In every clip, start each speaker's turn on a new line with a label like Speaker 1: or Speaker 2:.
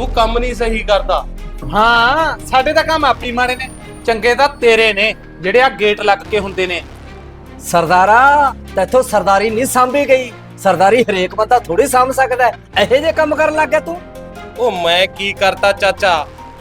Speaker 1: ਤੂੰ ਕੰਮ ਨਹੀਂ ਸਹੀ ਕਰਦਾ।
Speaker 2: ਹਾਂ ਸਾਡੇ ਤਾਂ ਕੰਮ ਆਪੀ ਮਾੜੇ ਨੇ, ਚੰਗੇ ਤਾਂ ਤੇਰੇ ਨੇ ਜਿਹੜੇ ਆ ਗੇਟ ਲੱਗ ਕੇ ਹੁੰਦੇ ਨੇ।
Speaker 3: ਸਰਦਾਰਾ ਤੈਥੋਂ ਸਰਦਾਰੀ ਨਹੀਂ ਸਾਂਭੀ ਗਈ। ਸਰਦਾਰੀ ਹਰੇਕ ਬੰਦਾ ਥੋੜੀ ਸਾਂਭ ਸਕਦਾ ਹੈ। ਇਹੋ ਜਿਹੇ ਕੰਮ ਕਰਨ ਲੱਗ ਗਿਆ ਤੂੰ।
Speaker 1: ਉਹ ਮੈਂ ਕੀ ਕਰਤਾ ਚਾਚਾ?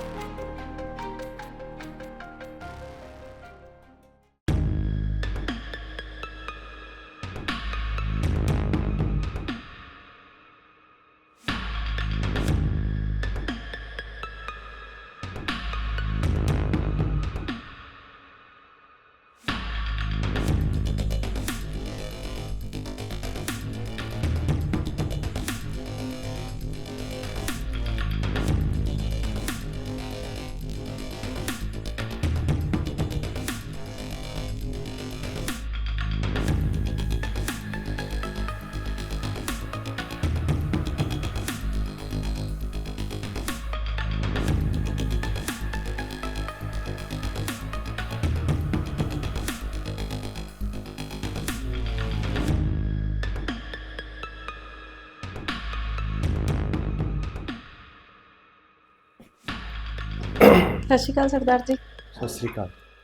Speaker 4: ਸਤਿ ਸ਼੍ਰੀ ਅਕਾਲ ਸਰਦਾਰ ਜੀ।
Speaker 1: ਸਤਿ ਸ੍ਰੀ ਅਕਾਲ।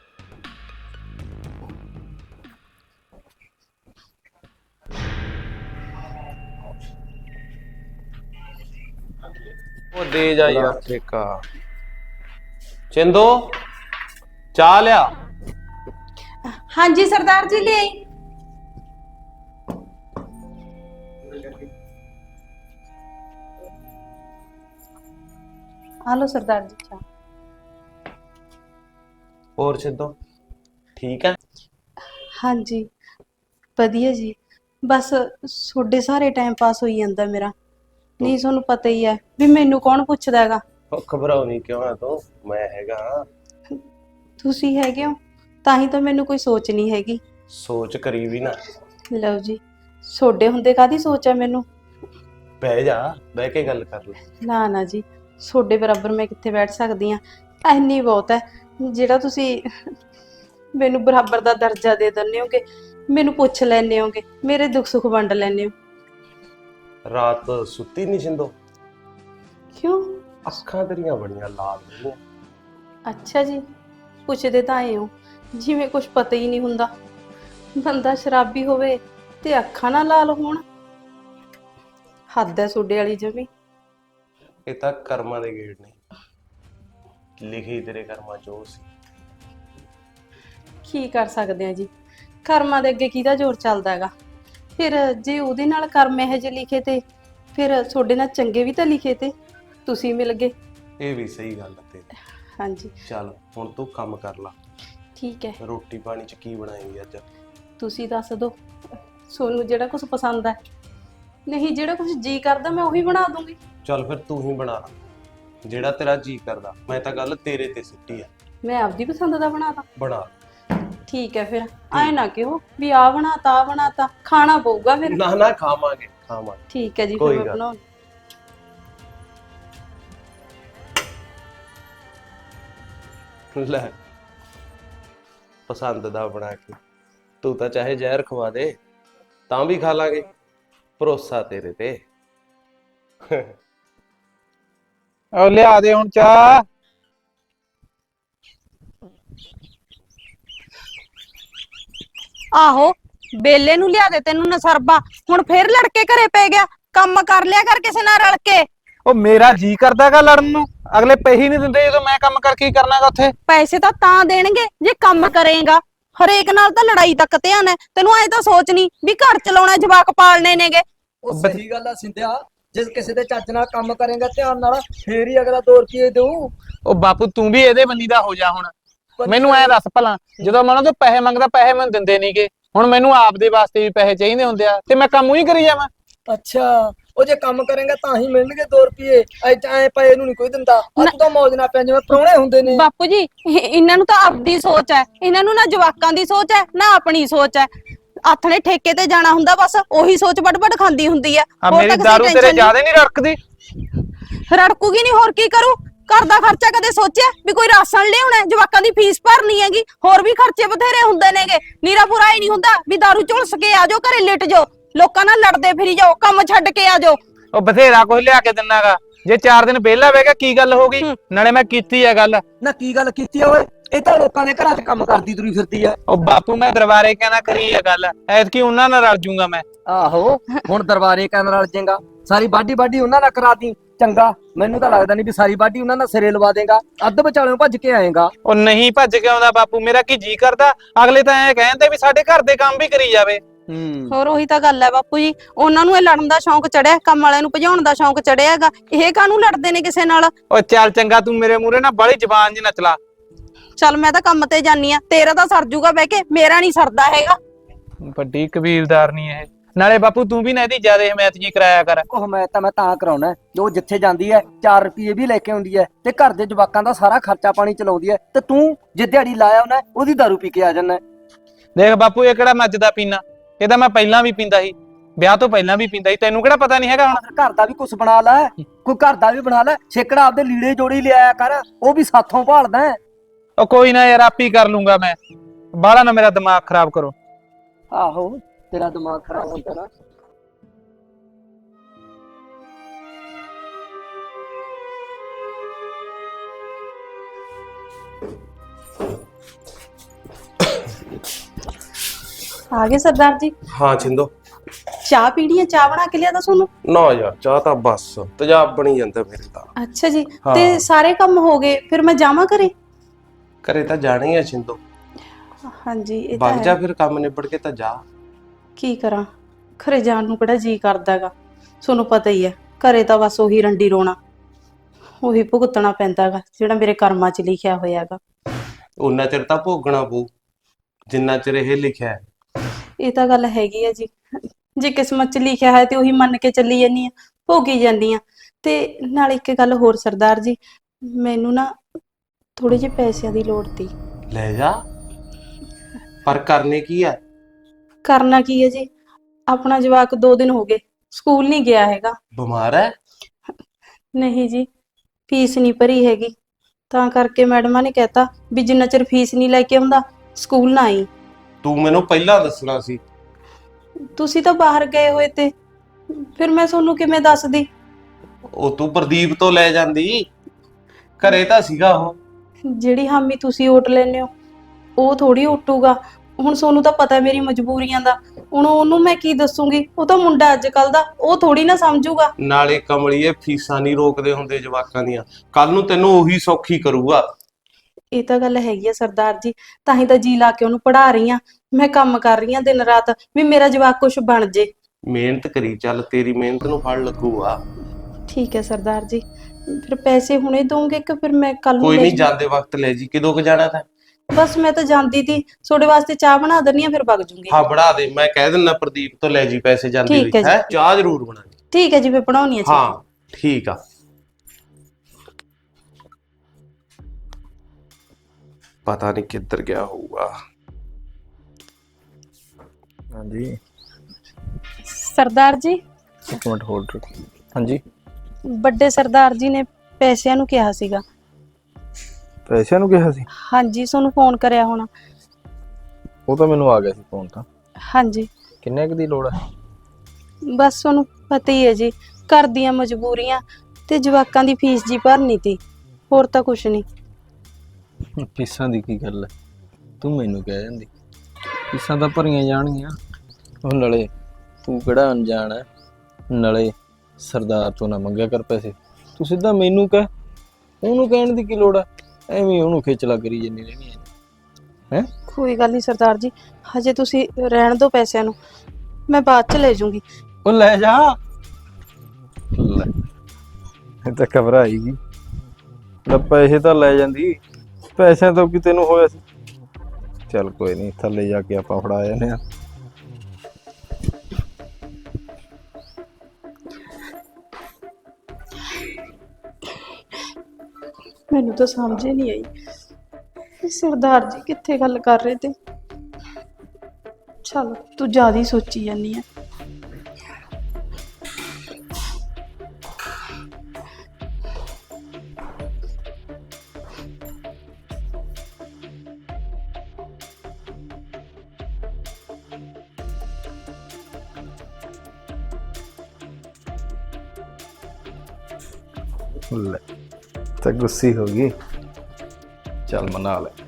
Speaker 1: ਉਹ ਦੇ ਜਾ ਯਾਰ ਠੇਕਾ। ਚਿੰਦੋ ਚਾਹ ਲਿਆ।
Speaker 4: ਹਾਂਜੀ ਸਰਦਾਰ ਜੀ ਲੈ ਆਈ। ਆਲੋ ਸਰਦਾਰ ਜੀ ਚਾਹ।
Speaker 1: ਹੋਰ ਚਿੰਦੋ ਠੀਕ ਹੈ?
Speaker 4: ਹਾਂਜੀ ਵਧੀਆ ਜੀ, ਬਸ ਤੁਹਾਡੇ ਸਾਰੇ ਟਾਈਮ ਪਾਸ ਹੋਈ ਜਾਂਦਾ ਮੇਰਾ। ਨਹੀਂ ਤੁਹਾਨੂੰ ਪਤਾ ਹੀ ਹੈ ਵੀ ਮੈਨੂੰ ਕੌਣ ਪੁੱਛਦਾ ਹੈਗਾ।
Speaker 1: ਉਹ ਘਬਰਾਉਣੀ ਕਿਉਂ ਆ ਤੂੰ? ਮੈਂ ਹੈਗਾ।
Speaker 4: ਤੁਸੀਂ ਹੈਗੇ ਹੋ ਤਾਂ ਹੀ ਤਾਂ ਮੈਨੂੰ ਕੋਈ ਸੋਚ ਨਹੀਂ ਹੈਗੀ।
Speaker 1: ਸੋਚ ਕਰੀ ਵੀ ਨਾ।
Speaker 4: ਲਓ ਜੀ, ਤੁਹਾਡੇ ਹੁੰਦੇ ਕਾਹਦੀ ਸੋਚ ਹੈ ਮੈਨੂੰ।
Speaker 1: ਬਹਿ ਜਾ, ਬਹਿ ਕੇ ਗੱਲ ਕਰ ਲੈ।
Speaker 4: ਨਾ ਨਾ ਜੀ, ਤੁਹਾਡੇ ਬਰਾਬਰ ਮੈਂ ਕਿੱਥੇ ਬੈਠ ਸਕਦੀ ਆ। ਇੰਨੀ ਬਹੁਤ ਹੈ ਜਿਹੜਾ ਤੁਸੀਂ ਮੈਨੂੰ ਬਰਾਬਰ ਦਾ ਦਰਜਾ ਦੇ ਦਿੰਦੇ ਹੋਗੇ, ਮੈਨੂੰ ਪੁੱਛ ਲੈਂਦੇ ਹੋਗੇ, ਮੇਰੇ ਦੁੱਖ ਸੁੱਖ ਵੰਡ ਲੈਂਦੇ ਹੋ।
Speaker 1: ਰਾਤ ਸੁੱਤੀ ਨਹੀਂ ਸਿੰਦੋ?
Speaker 4: ਕਿਉਂ?
Speaker 1: ਅੱਖਾਂ ਤੇਰੀਆਂ ਬੜੀਆਂ ਲਾਲ ਨੇ।
Speaker 4: ਅੱਛਾ ਜੀ, ਪੁੱਛਦੇ ਤਾਂ ਆਏ ਹੋ ਜਿਵੇਂ ਕੁਝ ਪਤਾ ਹੀ ਨਹੀਂ ਹੁੰਦਾ। ਬੰਦਾ ਸ਼ਰਾਬੀ ਹੋਵੇ ਤੇ ਅੱਖਾਂ ਨਾ ਲਾਲ ਹੋਣ, ਹੱਦ ਹੈ ਤੁਹਾਡੇ ਵਾਲੀ ਜਮੀ।
Speaker 1: ਇਹ ਤਾਂ ਕਰਮਾਂ ਦੇ ਗੇੜ ਨੇ, ਲਿਖੀ ਤੇਰੇ ਕਰਮਾਂ ਚ ਉਹ ਸੀ।
Speaker 4: ਕੀ ਕਰ ਸਕਦੇ ਆ ਜੀ, ਕਰਮਾਂ ਦੇ ਅੱਗੇ ਕਿਹਦਾ ਜ਼ੋਰ ਚੱਲਦਾ ਹੈਗਾ। ਫਿਰ ਜੇ ਉਹਦੇ ਨਾਲ ਕਰਮ ਇਹੋ ਜਿਹੇ ਲਿਖੇ ਤੇ ਫਿਰ ਤੁਹਾਡੇ ਨਾਲ ਚੰਗੇ ਵੀ ਤਾਂ ਲਿਖੇ ਤੇ ਤੁਸੀਂ ਮਿਲ ਗਏ।
Speaker 1: ਇਹ ਵੀ ਸਹੀ ਗੱਲ ਹੈ ਤੇਰੀ।
Speaker 4: ਹਾਂਜੀ
Speaker 1: ਚੱਲ ਹੁਣ ਤੂੰ ਕੰਮ ਕਰ ਲਾ।
Speaker 4: ਠੀਕ ਹੈ,
Speaker 1: ਰੋਟੀ ਪਾਣੀ ਚ ਕੀ ਬਣਾਏਂਗੀ ਅੱਜ?
Speaker 4: ਤੁਸੀਂ ਦੱਸ ਦਿਓ ਤੁਹਾਨੂੰ ਜਿਹੜਾ ਕੁਝ ਪਸੰਦ ਹੈ। ਨਹੀਂ ਜਿਹੜਾ ਕੁਝ ਜੀ ਕਰਦਾ ਮੈਂ ਉਹੀ ਬਣਾ ਦੂੰਗੀ।
Speaker 1: ਚੱਲ ਫਿਰ ਤੂੰ ਹੀ ਬਣਾ ਲਾ ਜਿਹੜਾ ਤੇਰਾ ਜੀ ਕਰਦਾ। ਮੈਂ ਤਾਂ ਗੱਲ ਤੇਰੇ ਤੇ ਸਿੱਟੀ ਆ।
Speaker 4: ਮੈਂ ਆਪਦੀ ਪਸੰਦ ਦਾ ਬਣਾਦਾ।
Speaker 1: ਬਣਾ।
Speaker 4: ਠੀਕ ਹੈ, ਫਿਰ ਆਏ ਨਾ ਕਿਹੋ ਵੀ ਆ ਬਣਾਤਾ ਆ ਬਣਾਤਾ, ਖਾਣਾ ਪਊਗਾ ਫਿਰ।
Speaker 1: ਨਾ ਨਾ ਖਾਵਾਂਗੇ ਖਾਵਾਂਗੇ।
Speaker 4: ਠੀਕ ਹੈ ਜੀ,
Speaker 1: ਕੋਈ
Speaker 4: ਫਿਰ ਮੈਂ
Speaker 1: ਗੱਲ
Speaker 4: ਬਣਾਉਂ।
Speaker 1: ਲੈ ਪਸੰਦ ਦਾ ਬਣਾ ਕੇ ਤੂੰ ਤਾਂ ਚਾਹੇ ਜ਼ਹਿਰ ਖਵਾ ਦੇ ਤਾਂ ਵੀ ਖਾ ਲਾਂਗੇ। ਭਰੋਸਾ ਤੇਰੇ ਤੇ।
Speaker 2: ਉਹ ਲਿਆ ਦੇ ਹੁਣ ਚਾਹ।
Speaker 5: ਆਹੋ ਬੇਲੇ ਨੂੰ ਲਿਆ ਦੇ ਤੈਨੂੰ ਨਸਰਬਾ। ਹੁਣ ਫੇਰ ਲੜਕੇ ਘਰੇ ਪੈ ਗਿਆ। ਕੰਮ ਕਰ ਲਿਆ ਕਰ ਕਿਸੇ ਨਾਲ ਰਲ ਕੇ।
Speaker 2: ਉਹ ਮੇਰਾ ਜੀ ਕਰਦਾਗਾ ਲੜਨ ਨੂੰ, ਅਗਲੇ ਪੈਸੇ ਹੀ ਨਹੀਂ ਦਿੰਦੇ ਜਦੋਂ ਮੈਂ ਕੰਮ ਕਰਕੇ ਕੀ ਕਰਨਾਗਾ ਉੱਥੇ।
Speaker 5: ਪੈਸੇ ਤਾਂ ਦੇਣਗੇ ਜੇ ਕੰਮ ਕਰੇਗਾ। ਹਰੇਕ ਨਾਲ ਤਾਂ ਲੜਾਈ ਤੱਕ ਧਿਆਨ ਹੈ ਤੈਨੂੰ। ਐ ਤਾਂ ਸੋਚ ਨਹੀਂ ਵੀ ਘਰ ਚਲਾਉਣਾ, ਜਵਾਕ ਪਾਲਣੇ ਨੇਗੇ।
Speaker 3: ਉਹ ਸਹੀ ਗੱਲ ਆ ਸਿੰਧਿਆ, ਜੇ ਕਿਸੇ ਦੇ ਚੱਜ ਨਾਲ ਕੰਮ ਕਰੇਗਾ ਧਿਆਨ ਨਾਲ ਫੇਰ ਹੀ ਅਗਲਾ 2 ਰੁਪਏ ਦੇਊ।
Speaker 2: ਉਹ ਬਾਪੂ ਤੂੰ ਵੀ ਇਹਦੇ ਬੰਨੀ ਦਾ ਹੋ ਜਾ ਹੁਣ। ਮੈਨੂੰ ਐ ਦੱਸ ਭਲਾ, ਜਦੋਂ ਮੈਂ ਉਹਨਾਂ ਤੋਂ ਪੈਸੇ ਮੰਗਦਾ ਪੈਸੇ ਮੈਨੂੰ ਦਿੰਦੇ ਨਹੀਂਗੇ। ਹੁਣ ਮੈਨੂੰ ਆਪਦੇ ਵਾਸਤੇ ਵੀ ਪੈਸੇ ਚਾਹੀਦੇ ਹੁੰਦੇ ਆ ਤੇ ਮੈਂ ਕੰਮ ਹੀ ਕਰੀ ਜਾਵਾਂ।
Speaker 3: ਅੱਛਾ, ਉਹ ਜੇ ਕੰਮ ਕਰੇਗਾ ਤਾਂ ਹੀ ਮਿਲਣਗੇ 2 ਰੁਪਏ। ਐ ਪਏ ਨੂੰ ਨਹੀਂ ਕੋਈ ਦਿੰਦਾ। ਤੂੰ ਤਾਂ ਮੌਜ ਨਾਲ ਪਿਆ ਜਿਵੇਂ ਪ੍ਰਾਹੁਣੇ ਹੁੰਦੇ ਨੇ।
Speaker 5: ਬਾਪੂ ਜੀ ਇਹਨਾਂ ਨੂੰ ਤਾਂ ਆਪਦੀ ਸੋਚ ਹੈ, ਇਹਨਾਂ ਨੂੰ ਨਾ ਜਵਾਕਾਂ ਦੀ ਸੋਚ ਹੈ ਨਾ ਆਪਣੀ ਸੋਚ ਹੈ। ਆਥਣੇ ਠੇਕੇ ਤੇ ਜਾਣਾ ਹੁੰਦਾ, ਬਸ ਉਹੀ ਸੋਚ ਵੱਡ ਖਾਂਦੀ ਹੁੰਦੀ ਆ।
Speaker 2: ਮੇਰੀ ਦਾਰੂ ਤੇਰੇ ਜ਼ਿਆਦਾ ਨਹੀਂ ਰੜਕਦੀ?
Speaker 5: ਰੜਕੂਗੀ ਨਹੀਂ ਹੋਰ ਕੀ ਕਰੂ। ਘਰ ਦਾ ਖਰਚਾ ਕਦੇ ਸੋਚਿਆ ਵੀ ਕੋਈ ਰਾਸ਼ਨ ਲਿਆਉਣਾ, ਜਵਾਕਾਂ ਦੀ ਫੀਸ ਭਰਨੀ ਹੈਗੀ, ਹੋਰ ਵੀ ਖਰਚੇ ਬਥੇਰੇ ਹੁੰਦੇ ਨੇਗੇ। ਨੀਰਾ ਪੂਰਾ ਹੀ ਨਹੀਂ ਹੁੰਦਾ ਵੀ ਦਾਰੂ ਝੁਲਸ ਕੇ ਆ ਜਾਓ, ਘਰੇ ਲਿਟ ਜਾਓ, ਲੋਕਾਂ ਨਾਲ ਲੜਦੇ ਫਿਰੀ ਜਾਓ, ਕੰਮ ਛੱਡ ਕੇ ਆ ਜਾਓ।
Speaker 2: ਉਹ ਬਥੇਰਾ ਕੁਝ ਲਿਆ ਕੇ ਦਿੰਨਾਗਾ, ਜੇ 4 ਦਿਨ ਵਿਹਲਾ ਬਹਿ ਗਿਆ ਕੀ ਗੱਲ ਹੋ ਗਈ? ਨਾਲੇ ਮੈਂ ਕੀਤੀ ਆ ਗੱਲ।
Speaker 3: ਨਾ ਕੀ ਗੱਲ ਕੀਤੀ ਆ ਓਏ? ਇਹ ਤਾਂ ਲੋਕਾਂ ਦੇ ਘਰਾਂ 'ਚ ਕੰਮ ਕਰਦੀ ਤੁਰੀ ਫਿਰਦੀ ਆ।
Speaker 2: ਉਹ ਬਾਪੂ ਮੈਂ ਦਰਬਾਰੇ ਕਹਿੰਦਾ ਕਰੀ ਆ ਗੱਲ, ਐਤਕੀ ਉਹਨਾਂ ਨਾਲ ਰਲ ਜੂੰਗਾ ਮੈਂ।
Speaker 3: ਆਹੋ ਹੁਣ ਦਰਬਾਰੇ ਕਹਿਣ ਰਲ ਜਾਏਗਾ, ਸਾਰੀ ਵਾਢੀ ਉਹਨਾਂ ਨਾਲ ਕਰਾਤੀ। ਚੰਗਾ, ਮੈਨੂੰ ਤਾਂ ਲੱਗਦਾ ਨਹੀਂ ਵੀ ਸਾਰੀ ਵਾਢੀ ਉਹਨਾਂ ਨਾਲ ਸਿਰੇ ਲਵਾ ਦੇਗਾ, ਅੱਧ ਵਿਚਾਲਿਓਂ ਭੱਜ ਕੇ ਆਏਗਾ।
Speaker 2: ਉਹ ਨਹੀਂ ਭੱਜ ਕੇ ਆਉਂਦਾ ਬਾਪੂ, ਮੇਰਾ ਕੀ ਜੀ ਕਰਦਾ, ਅਗਲੇ ਤਾਂ ਐ ਕਹਿੰਦੇ ਵੀ ਸਾਡੇ ਘਰ ਦੇ ਕੰਮ ਵੀ ਕਰੀ ਜਾਵੇ।
Speaker 5: ਹੋਰ ਉਹੀ ਤਾਂ ਗੱਲ ਹੈ ਬਾਪੂ ਜੀ, ਉਹਨਾਂ ਨੂੰ ਇਹ ਲੜਨ ਦਾ ਸ਼ੌਂਕ ਚੜਿਆ, ਕੰਮ ਵਾਲਿਆਂ ਨੂੰ ਭਜਾਉਣ ਦਾ ਸ਼ੌਂਕ ਚੜਿਆ ਹੈਗਾ। ਇਹ ਕਾਹਨੂੰ ਲੜਦੇ ਨੇ ਕਿਸੇ ਨਾਲ?
Speaker 2: ਉਹ ਚੱਲ ਚੰਗਾ, ਤੂੰ ਮੇਰੇ ਮੂਹਰੇ ਨਾ ਬਾਹਲੀ ਜ਼ਬਾਨ ਜੀ ਨਾ ਚਲਾ।
Speaker 5: ਚੱਲ ਮੈਂ ਤਾਂ ਕੰਮ ਤੇ ਜਾਨੀ ਆ, ਤੇਰਾ ਤਾਂ ਸਰ ਜੂਗਾ ਬਹਿ ਕੇ, ਮੇਰਾ ਨਹੀਂ ਸਰਦਾ ਹੈਗਾ।
Speaker 2: ਵੱਡੀ ਕਬੀਲਦਾਰ ਨਹੀਂ ਇਹ। ਨਾਲੇ ਬਾਪੂ ਤੂੰ ਵੀ ਨਾ ਇਹਦੀ ਜ਼ਿਆਦਾ ਹਮਾਇਤ ਜੀ ਕਰਾਇਆ ਕਰ।
Speaker 3: ਉਹ ਮੈਂ ਤਾਂ ਕਰਾਉਣਾ, ਜੋ ਜਿੱਥੇ ਜਾਂਦੀ ਹੈ 4 ਰੁਪਏ ਵੀ ਲੈ ਕੇ ਆਉਂਦੀ ਹੈ ਤੇ ਘਰ ਦੇ ਜਵਾਕਾਂ ਦਾ ਸਾਰਾ ਖਰਚਾ ਪਾਣੀ ਚਲਾਉਂਦੀ ਹੈ, ਤੇ ਤੂੰ ਜੇ ਦਿਹਾੜੀ ਲਾਇਆ ਉਹਨੇ ਉਹਦੀ ਦਾਰੂ ਪੀ ਕੇ ਆ ਜਾਂਦਾ।
Speaker 2: ਦੇਖ ਬਾਪੂ, ਇਹ ਕਿਹੜਾ ਮੱਝ ਦਾ ਪੀਣਾ, ਇਹ ਤਾਂ ਮੈਂ ਪਹਿਲਾਂ ਵੀ ਪੀਂਦਾ ਸੀ, ਵਿਆਹ ਤੋਂ ਪਹਿਲਾਂ ਵੀ ਪੀਂਦਾ ਸੀ, ਤੈਨੂੰ ਕਿਹੜਾ ਪਤਾ ਨਹੀਂ ਹੈਗਾ ਹੁਣ?
Speaker 3: ਘਰ ਦਾ ਵੀ ਕੁਛ ਬਣਾ ਲੈ, ਕੋਈ ਘਰ ਦਾ ਵੀ ਬਣਾ ਲੈ, ਛੇਕੜਾ ਆਪਦੇ ਲੀੜੇ ਜੋੜੀ ਲਿਆਇਆ ਕਰ, ਉਹ ਵੀ ਸਾਥੋਂ ਭਾਲਦਾ ਹੈ।
Speaker 2: ਉਹ ਕੋਈ ਨਾ ਯਾਰ, ਆਪ ਹੀ ਕਰ ਲੂੰਗਾ ਮੈਂ, ਬਾਹਲਾ ਨਾ ਮੇਰਾ ਦਿਮਾਗ ਖਰਾਬ ਕਰੋ।
Speaker 3: ਆਹੋ ਤੇਰਾ ਦਿਮਾਗ ਖਰਾਬ ਹੁੰਦਾ ਨਾ।
Speaker 4: ਆ ਗਏ ਸਰਦਾਰ ਜੀ?
Speaker 1: ਹਾਂ ਛਿੰਦੋ,
Speaker 4: ਚਾਹ ਪੀਣੀ ਹੈ? ਚਾਹ ਬਣਾ ਕੇ ਲਿਆ ਤਾਂ ਤੁਹਾਨੂੰ?
Speaker 1: ਨਾ ਯਾਰ, ਚਾਹ ਤਾਂ ਬਸ ਤੇਜ਼ਾਬ ਬਣੀ ਜਾਂਦਾ ਮੇਰੇ ਤਾਂ।
Speaker 4: ਅੱਛਾ ਜੀ,
Speaker 1: ਹਾਂ।
Speaker 4: ਤੇ ਸਾਰੇ ਕੰਮ ਹੋ ਗਏ, ਫਿਰ ਮੈਂ ਜਾਵਾਂ ਘਰੇ?
Speaker 1: ਘਰੇ ਤਾਂ ਜਾਣੀ ਆ ਛਿੰਦੋ,
Speaker 4: ਹਾਂਜੀ ਇਹ ਤਾਂ
Speaker 1: ਵਗ ਜਾ
Speaker 4: ਹੈ।
Speaker 1: ਫਿਰ, ਕੰਮ ਨਿਬੜ ਕੇ ਤਾਂ ਜਾ।
Speaker 4: ਕੀ ਕਰਾਂ, ਘਰੇ ਜਾਣ ਨੂੰ ਕਿਹੜਾ ਜੀ ਕਰਦਾਗਾ। ਤੁਹਾਨੂੰ ਪਤਾ ਹੀ ਹੈ, ਘਰੇ ਤਾਂ ਬਸ ਉਹੀ ਰੰਡੀ ਰੋਣਾ, ਉਹੀ ਭੁਗਤਣਾ ਪੈਂਦਾਗਾ ਜਿਹੜਾ ਮੇਰੇ ਕਰਮਾਂ 'ਚ ਲਿਖਿਆ ਹੋਇਆਗਾ।
Speaker 1: ਉਹਨਾਂ ਚਿਰ ਤਾਂ ਭੋਗਣਾ ਪਊ ਜਿੰਨਾ ਚਿਰ ਇਹ ਲਿਖਿਆ ਹੈ।
Speaker 4: ਇਹ ਤਾਂ ਗੱਲ ਹੈਗੀ ਆ ਜੀ, ਜੇ ਕਿਸਮਤ 'ਚ ਲਿਖਿਆ ਹੈ ਤੇ ਉਹੀ ਮੰਨ ਕੇ ਚੱਲੀ ਜਾਂਦੀ ਆ, ਭੋਗੀ ਜਾਂਦੀ ਆ। ਤੇ ਨਾਲ ਇੱਕ ਗੱਲ ਹੋਰ ਸਰਦਾਰ ਜੀ, ਮੈਨੂੰ ਨਾ ਥੋੜੇ ਜਿਹੇ ਪੈਸਿਆਂ ਦੀ ਲੋੜ ਤੀ।
Speaker 1: ਲੈ ਜਾ, ਪਰ ਕਰਨੇ ਕੀ ਆ?
Speaker 4: ਕਰਨਾ ਕੀ ਹੈ ਜੀ, ਆਪਣਾ ਜਵਾਕ 2 ਦਿਨ ਹੋ ਗਏ ਸਕੂਲ ਨਹੀਂ ਗਿਆ ਹੈਗਾ।
Speaker 1: ਬਿਮਾਰ ਹੈ?
Speaker 4: ਨਹੀਂ ਜੀ, ਫੀਸ ਨਹੀਂ ਭਰੀ ਹੈਗੀ, ਤਾਂ ਕਰਕੇ ਮੈਡਮਾਂ ਨੇ ਕਹਿਤਾ ਵੀ ਜਿੰਨਾ ਚਿਰ ਫੀਸ ਨਹੀਂ ਲੈ ਕੇ ਆਉਂਦਾ ਸਕੂਲ ਨਾ ਆਈ।
Speaker 1: ਤੂੰ ਮੈਨੂੰ ਪਹਿਲਾਂ ਦੱਸਣਾ ਸੀ।
Speaker 4: ਤੁਸੀਂ ਤਾਂ ਬਾਹਰ ਗਏ ਹੋਏ ਤੇ ਫਿਰ ਮੈਂ ਤੁਹਾਨੂੰ ਕਿਵੇਂ ਦੱਸਦੀ?
Speaker 1: ਉਹ ਤੂੰ ਪ੍ਰਦੀਪ ਤੋਂ ਲੈ ਜਾਂਦੀ, ਘਰੇ ਤਾਂ ਸੀਗਾ ਉਹ।
Speaker 4: ਜਿਹੜੀ ਹਾਮੀ ਤੁਸੀਂ ਓਟ ਲੈਨੇ ਹੋ ਉਹ ਥੋੜੀ ਓਟੂਗਾ। ਹੁਣ ਤੁਹਾਨੂੰ ਤਾਂ ਪਤਾ ਮੇਰੀ ਮਜਬੂਰੀਆਂ ਦਾ, ਹੁਣ ਉਹਨੂੰ ਮੈਂ ਕੀ ਦੱਸੂਗੀ? ਉਹ ਤਾਂ ਮੁੰਡਾ ਅੱਜ ਕੱਲ ਦਾ, ਉਹ ਥੋੜੀ ਨਾ ਸਮਝੂਗਾ।
Speaker 1: ਨਾਲੇ ਕਮਲੀਏ, ਫੀਸਾਂ ਨਹੀਂ ਰੋਕਦੇ ਹੁੰਦੇ ਜਵਾਕਾਂ ਦੀਆਂ, ਕੱਲ ਨੂੰ ਤੈਨੂੰ ਉਹੀ ਸੌਖੀ ਕਰੂਗਾ।
Speaker 4: ਇਹ ਤਾਂ ਗੱਲ ਹੈਗੀ ਆ ਸਰਦਾਰ ਜੀ, ਤਾਂ ਹੀ ਤਾਂ ਜੀ ਲਾ ਕੇ ਉਹਨੂੰ ਪੜ੍ਹਾ ਰਹੀ ਆ, ਮੈਂ ਕੰਮ ਕਰ ਰਹੀ ਆ ਦਿਨ ਰਾਤ ਵੀ ਮੇਰਾ ਜਵਾਕ ਕੁਛ ਬਣ ਜੇ।
Speaker 1: ਮਿਹਨਤ ਕਰੀ ਚੱਲ, ਤੇਰੀ ਮਿਹਨਤ ਨੂੰ ਫਲ ਲੱਗੂਗਾ।
Speaker 4: ਠੀਕ ਹੈ ਸਰਦਾਰ ਜੀ, ਫਿਰ ਪੈਸੇ ਹੁਣੇ ਦੋਗੇ ਕਿ ਫਿਰ ਮੈਂ ਕੱਲ ਨੂੰ
Speaker 1: ਕੋਈ
Speaker 4: ਲੈ
Speaker 1: ਨਹੀਂ,
Speaker 4: ਜਾਵਾਂ?
Speaker 1: ਜਾਂਦੇ ਵਕਤ ਲੈ ਜੀ। ਕਿਦੋਂ ਕ ਜਾਣਾ ਤਾਂ?
Speaker 4: ਬਸ ਮੈਂ ਤਾਂ ਜਾਂਦੀ ਤੀ, ਤੁਹਾਡੇ ਵਾਸਤੇ ਚਾਹ ਬਣਾ ਦਿੰਨੀ ਆ, ਫਿਰ ਵਗ ਜੂੰਗੀ।
Speaker 1: ਹਾਂ ਬਣਾ ਦੇ, ਮੈਂ ਕਹਿ ਦਿੰਦਾ ਪ੍ਰਦੀਪ ਤੋਂ ਲੈ ਜੀ ਪੈਸੇ ਜਾਂਦੀ
Speaker 4: ਠੀਕ
Speaker 1: ਹੋਈ
Speaker 4: ਹੈ ਜੀ।
Speaker 1: ਹੈ। ਚਾਹ ਜ਼ਰੂਰ ਬਣਾ ਦੇ।
Speaker 4: ਠੀਕ ਹੈ ਜੀ, ਫਿਰ ਬਣਾਉਣੀ ਆ ਚਾਹ।
Speaker 1: ਹਾਂ ਠੀਕ ਆ। ਪਤਾ ਨਹੀਂ ਕਿੱਧਰ ਗਿਆ ਹੋਊਗਾ।
Speaker 2: ਹਾਂਜੀ,
Speaker 4: ਸਰਦਾਰ ਜੀ,
Speaker 2: ਇੱਕ ਮਿੰਟ ਹੋਲਡ ਰੱਖੋ। ਹਾਂਜੀ,
Speaker 4: ਵੱਡੇ ਸਰਦਾਰ ਜੀ ਨੇ ਪੈਸਿਆਂ ਨੂੰ ਕਿਹਾ ਸੀਗਾ।
Speaker 2: ਪੈਸਿਆਂ ਨੂੰ ਕਿਹਾ ਸੀ?
Speaker 4: ਹਾਂਜੀ, ਤੁਹਾਨੂੰ ਫੋਨ ਕਰਿਆ ਹੋਣਾ।
Speaker 2: ਉਹ ਤਾਂ ਮੈਨੂੰ ਆ ਗਿਆ ਸੀ ਫੋਨ ਤਾਂ।
Speaker 4: ਹਾਂਜੀ,
Speaker 2: ਕਿੰਨੇ ਕੁ ਦੀ ਲੋੜ ਹੈ?
Speaker 4: ਬਸ ਤੁਹਾਨੂੰ ਪਤਾ ਹੀ ਹੈ ਜੀ, ਘਰ ਦੀਆਂ ਮਜਬੂਰੀਆਂ ਤੇ ਜਵਾਕਾਂ ਦੀ ਫੀਸ ਜੀ ਭਰਨੀ ਤੀ, ਹੋਰ ਤਾਂ ਕੁਛ ਨਹੀਂ।
Speaker 2: ਫੀਸਾਂ ਦੀ ਕੀ ਗੱਲ ਹੈ, ਤੂੰ ਮੈਨੂੰ ਕਹਿ ਜਾਂਦੀ। ਫੀਸਾਂ ਤਾਂ ਭਰੀਆਂ ਜਾਣਗੀਆਂ। ਉਹ ਨਾਲੇ ਤੂੰ ਕਿਹੜਾ ਅਣਜਾਣ ਹੈ, ਨਾਲੇ ਸਰਦਾਰ ਤੋਂ ਨਾ ਮੰਗਿਆ ਕਰ ਪੈਸੇ, ਤੂੰ ਸਿੱਧਾ ਮੈਨੂੰ ਕਹਿ। ਉਹਨੂੰ ਕਹਿਣ ਦੀ ਕੀ ਲੋੜ ਹੈ, ਐਵੇਂ ਉਹਨੂੰ ਖੇਚਲਾ ਕਰੀ ਜੰਨੀ ਰਹਿਣੀ ਹੈ।
Speaker 4: ਕੋਈ ਗੱਲ ਨਹੀਂ ਸਰਦਾਰ ਜੀ, ਹਜੇ ਤੁਸੀਂ ਰਹਿਣ ਦਿਓ ਪੈਸਿਆਂ ਨੂੰ, ਮੈਂ ਬਾਅਦ ਚ ਲੈ ਜੂੰਗੀ।
Speaker 2: ਉਹ ਲੈ ਜਾ। ਲੈ, ਇਹ ਤਾਂ ਘਬਰਾਈਗੀ। ਲੈ ਪੈਸੇ ਤਾਂ ਲੈ ਜਾਂਦੀ, ਪੈਸਿਆਂ ਤੋਂ ਕੀ ਤੈਨੂੰ ਹੋਇਆ ਸੀ? ਚੱਲ ਕੋਈ ਨਹੀਂ, ਥੱਲੇ ਜਾ ਕੇ ਆਪਾਂ ਫੜਾ ਜਾਂਦੇ ਆ।
Speaker 4: ਮੈਨੂੰ ਤਾਂ ਸਮਝ ਹੀ ਨਹੀਂ ਆਈ ਇਹ ਸਰਦਾਰ ਜੀ ਕਿੱਥੇ ਗੱਲ ਕਰ ਰਹੇ ਤੇ। ਚਲ ਤੂੰ ਜ਼ਿਆਦਾ ਹੀ ਸੋਚੀ ਜਾਂਦੀ ਆ।
Speaker 2: ਲੈ ਤਾਂ ਗੁੱਸੀ ਹੋ ਗਈ। ਚੱਲ ਮਨਾ ਲੈ।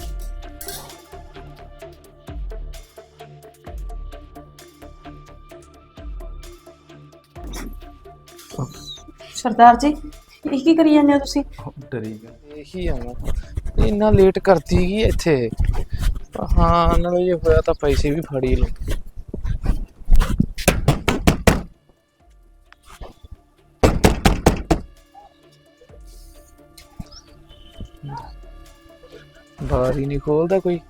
Speaker 4: ਸਰਦਾਰ ਜੀ ਇਹ ਕੀ ਕਰੀ ਜਾਂਦੇ ਹੋ ਤੁਸੀਂ?
Speaker 2: ਡਰੀ ਗਿਆ ਇਹੀ ਆਉਣਾ ਇੰਨਾ ਲੇਟ ਕਰਦੀ ਗਈ ਇੱਥੇ। ਹਾਂ ਨਾਲੇ ਜੇ ਹੋਇਆ ਤਾਂ ਪੈਸੇ ਵੀ ਫੜੀ ਲਓ। ਬਾਹਰ ਹੀ ਨਹੀਂ ਖੋਲਦਾ ਕੋਈ।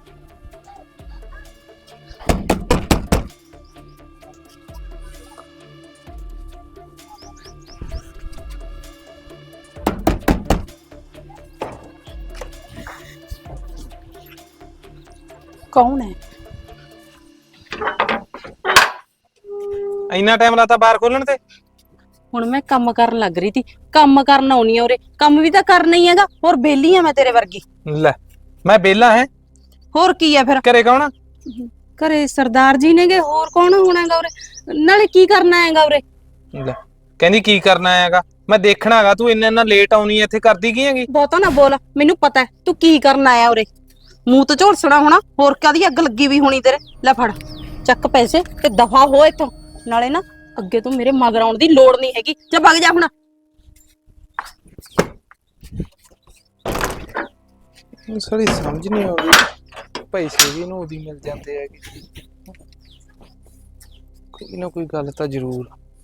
Speaker 4: ਕੌਣ ਹੈ?
Speaker 2: ਇੰਨਾ ਟਾਈਮ ਲਾਤਾ ਬਾਹਰ ਖੋਲਣ ਤੇ?
Speaker 5: ਹੁਣ ਮੈਂ ਕੰਮ ਕਰਨ ਲੱਗ ਰਹੀ ਸੀ, ਕੰਮ ਕਰਨ ਆਉਣੀ ਆ ਉਰੇ, ਕੰਮ ਵੀ ਤਾਂ ਕਰਨਾ ਹੀ ਹੈਗਾ। ਹੋਰ ਬੇਲੀ ਆ ਮੈਂ ਤੇਰੇ ਵਰਗੀ।
Speaker 2: ਲੈ ਮੈਂ ਵਿਹਲਾ ਹੈ।
Speaker 5: ਹੋਰ ਕੀ ਆ ਫਿਰ?
Speaker 2: ਘਰੇ ਕੌਣ ਆ?
Speaker 5: ਘਰੇ ਸਰਦਾਰ ਜੀ ਨੇਗੇ, ਹੋਰ ਕੌਣ ਹੋਣਾ ਹੈਗਾ ਉਰੇ? ਨਾਲੇ ਕੀ ਕਰਨਾ ਹੈਗਾ ਉਰੇ?
Speaker 2: ਲੈ ਕਹਿੰਦੀ ਕੀ ਕਰਨਾ ਹੈਗਾ, ਮੈਂ ਦੇਖਣਾ ਹੈਗਾ ਤੂੰ ਇੰਨਾ ਲੇਟ ਆਉਣੀ ਇੱਥੇ ਕਰਦੀ ਕੀ ਹੈਗੀ?
Speaker 5: ਬਹੁਤਾ ਨਾ ਬੋਲ, ਮੈਨੂੰ ਪਤਾ ਹੈ ਤੂੰ ਕੀ ਕਰਨ ਆਇਆ ਉਰੇ। ਮੂੰਹ ਤੇ ਝੋਲਸਣਾ ਹੋਣਾ, ਹੋਰ ਕਾਦੀ ਅੱਗ ਲੱਗੀ ਵੀ ਹੋਣੀ ਤੇਰੇ। ਲੈ ਫੜ ਚੱਕ ਪੈਸੇ ਤੇ ਦਫਾ ਹੋ ਇੱਥੋਂ। ਨਾਲੇ ਨਾ ਅੱਗੇ ਤੋਂ ਮੇਰੇ ਮਗਰ ਆਉਣ ਦੀ ਲੋੜ ਨਹੀਂ ਹੈਗੀ। ਜਾ ਵਗ ਜਾ ਹੁਣ।
Speaker 2: ਸਾਰੀ ਸਮਝ ਨਹੀਂ ਆਉਂਦੀ, ਪੈਸੇ ਵੀ ਇਹਨੂੰ ਉਹਦੀ ਮਿਲ ਜਾਂਦੇ ਹੈਗੇ। ਕੋਈ ਨਾ ਕੋਈ ਗੱਲ ਤਾਂ ਜ਼ਰੂਰ।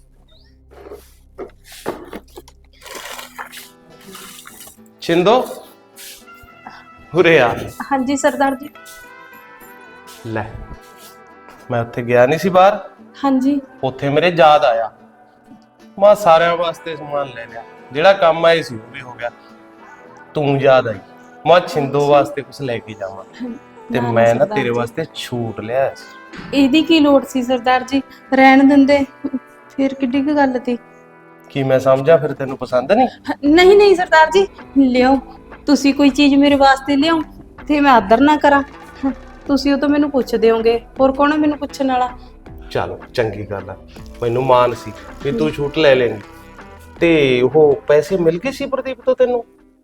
Speaker 1: ਛਿੰਦੋ ਉਰੇ ਆ।
Speaker 4: ਹਾਂਜੀ ਸਰਦਾਰ ਜੀ।
Speaker 1: ਲੈ ਮੈਂ ਉੱਥੇ ਗਿਆ ਨਹੀਂ ਸੀ ਬਾਹਰ,
Speaker 4: ਹਾਂਜੀ
Speaker 1: ਉੱਥੇ ਮੇਰੇ ਯਾਦ ਆਇਆ। ਮੈਂ ਸਾਰਿਆਂ ਵਾਸਤੇ ਸਮਾਨ ਲੈ ਲਿਆ, ਜਿਹੜਾ ਕੰਮ ਆਏ ਸੀ ਉਹ ਵੀ ਹੋ ਗਿਆ। ਤੂੰ ਯਾਦ ਆਈ, ਮੈਂ ਛਿੰਦੋ ਵਾਸਤੇ ਕੁਝ ਲੈ ਕੇ ਜਾਵਾਂ ਤੇ ਮੈਂ ਨਾ ਤੇਰੇ ਵਾਸਤੇ ਛੂਟ ਲਿਆ ਸੀ।
Speaker 4: ਇਹਦੀ ਕੀ ਲੋੜ ਸੀ ਸਰਦਾਰ ਜੀ? ਰਹਿਣ ਦਿੰਦੇ, ਫਿਰ ਕਿੱਡੀ ਕੁ ਗੱਲ ਤੀ।
Speaker 1: ਕੀ ਮੈਂ ਸਮਝਾ ਫਿਰ ਤੈਨੂੰ ਪਸੰਦ ਨਹੀਂ?
Speaker 4: ਨਹੀਂ ਨਹੀਂ ਸਰਦਾਰ ਜੀ, ਲਿਓ। ਤੁਸੀਂ ਕੋਈ ਚੀਜ਼ ਮੇਰੇ ਵਾਸਤੇ ਲਿਆਓ ਤੇ ਮੈਂ ਆਦਰ ਨਾ ਕਰਾਂ। ਤੁਸੀਂ ਉਹ ਤਾਂ ਮੈਨੂੰ ਪੁੱਛਦੇ ਹੋਗੇ, ਹੋਰ ਕੌਣ ਹੈ ਮੈਨੂੰ ਪੁੱਛਣ ਵਾਲਾ?
Speaker 1: ਚਲੋ ਚੰਗੀ ਗੱਲ ਆ, ਮੈਨੂੰ ਮਾਨ ਸੀ ਕਿ ਤੂੰ ਛੂਟ ਲੈ ਲੈਂਗੀ। ਤੇ ਉਹ ਪੈਸੇ ਮਿਲ ਗਏ ਸੀ ਪ੍ਰਦੀਪ ਤੋਂ ਤੈਨੂੰ?